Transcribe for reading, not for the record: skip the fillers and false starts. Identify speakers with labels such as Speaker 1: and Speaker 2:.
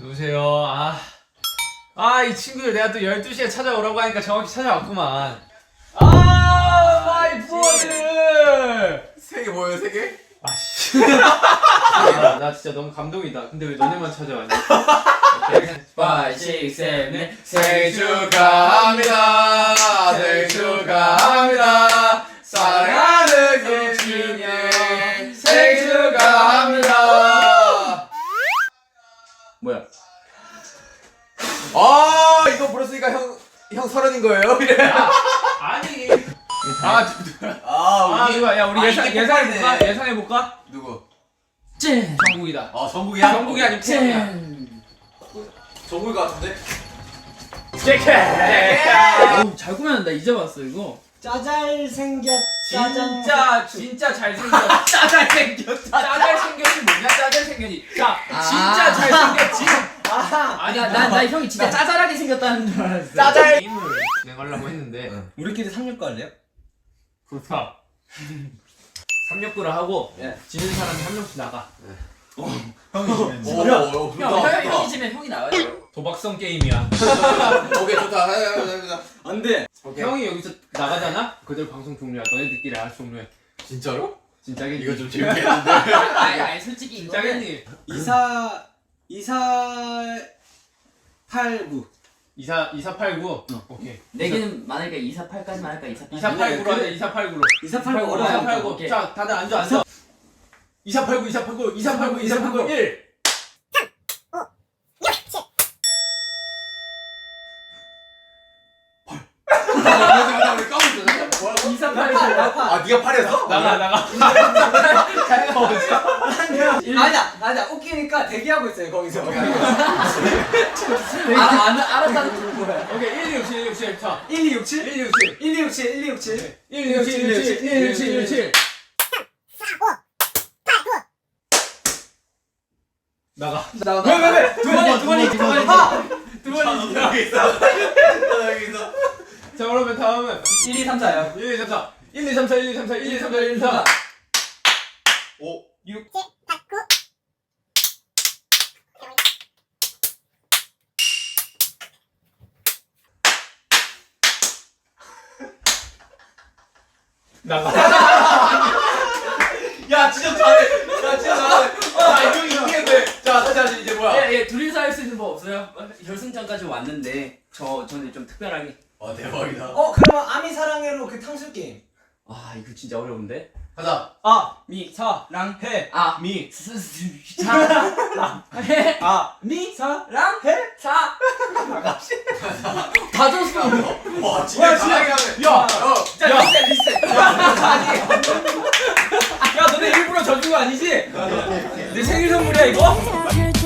Speaker 1: 누구세요? 이 친구들 내가 또 12시에 찾아오라고 하니까 정확히 찾아왔구만. 마이 부어들!
Speaker 2: 3개 뭐예요, 3개?
Speaker 1: 아씨. 나 진짜 너무 감동이다. 근데 왜 너네만 찾아왔니? 5, 6, 7, 8
Speaker 2: 생일 축하합니다. 생일 축하합니다. 사랑하는 김치님 생일 축하합니다.
Speaker 1: 뭐야?
Speaker 2: 이거 불렀으니까 형 30인 거예요?
Speaker 1: 아니.
Speaker 2: 우리
Speaker 1: 야 우리 예상해볼까? 예상해볼까?
Speaker 2: 누구?
Speaker 1: 짠! 정국이다.
Speaker 2: 정국이야?
Speaker 1: 정국이 아니면 태영이야.
Speaker 2: 정국일 것 같은데?
Speaker 1: 제케!
Speaker 3: 잘 꾸몄는다. 이제 봤어 이거.
Speaker 4: 짜잘생겼
Speaker 1: 진짜 잘생겼. 짜잘생겼. 짜잘생겼이 뭐냐? 짜잘생겼이. 자, 진짜 잘생겼지.
Speaker 3: 아니 나 형이 진짜 짜잘하게 생겼다는 줄 알았어.
Speaker 1: 짜잘 게임을 진행하려고 했는데
Speaker 4: 우리끼리 3육 할래요?
Speaker 1: 좋다. 369를 하고
Speaker 4: 예.
Speaker 1: 지는 사람이 한 명씩 나가.
Speaker 4: 형이
Speaker 3: 형이 지면 형이 나와요.
Speaker 1: 도박성 게임이야.
Speaker 2: 오케이 좋다. 해보자.
Speaker 4: 안돼.
Speaker 1: 형이 여기서 나가잖아? 그대로 방송 종료야. 너네들끼리 알아서 종료해.
Speaker 2: 진짜로?
Speaker 1: 진짜겠니?
Speaker 2: 이거 좀 재밌겠는데?
Speaker 3: 아니 솔직히 이거는
Speaker 1: 진짜겠니?
Speaker 4: 2489
Speaker 1: 2489. 오케이.
Speaker 3: 4개는 많으니까 248까지만 할까? 248.
Speaker 1: 2489로 하자. 2489로.
Speaker 4: 2489
Speaker 3: 어려워.
Speaker 1: 2489.
Speaker 3: 오케이.
Speaker 1: 자, 다들 앉아. 2489, 2489, 2489, 2489, 1.
Speaker 2: 우리 까고 있어. 뭐야?
Speaker 3: 248.
Speaker 2: 네가 8이었어?
Speaker 1: 나가. 자기가 어딨어?
Speaker 4: 아니야 웃기니까 대기하고 있어요 거기서.
Speaker 3: 알았다는 거야.
Speaker 1: 오케이. 1267, 167. 자.
Speaker 4: 1267
Speaker 1: 1267.
Speaker 4: 1267 1267
Speaker 1: 1267, 1267. 나가.
Speaker 4: 왜? 두 번이
Speaker 2: 여기 있어. 여기 있어.
Speaker 1: 자, 그러면 다음은
Speaker 3: 1, 2, 3, 4요.
Speaker 1: 1, 2, 3, 4. 1, 2, 3, 4, 1, 2, 3, 4, 1, 2, 3, 4, 1, 2, 3, 4.
Speaker 2: 5
Speaker 1: 6. 나가.
Speaker 2: 야 진짜 잘해. 이거 이기겠네. 자 다시 하자. 이제 뭐야?
Speaker 3: 예, 둘이서 할 수 있는 법 없어요? 결승전까지 왔는데 저는 좀 특별하게.
Speaker 2: 와 대박이다.
Speaker 4: 그러면 아미 사랑해로 그 탕수육 게임.
Speaker 3: 이거 진짜 어려운데.
Speaker 2: 가자.
Speaker 4: 미 사랑해
Speaker 3: 미
Speaker 4: 미 사랑해
Speaker 3: 다 줬어.
Speaker 2: 와 진짜 잘하게 하네.
Speaker 1: 야,
Speaker 3: 리셋.
Speaker 4: 야 너네 일부러 져준 거 아니지? 내 생일 선물이야 이거?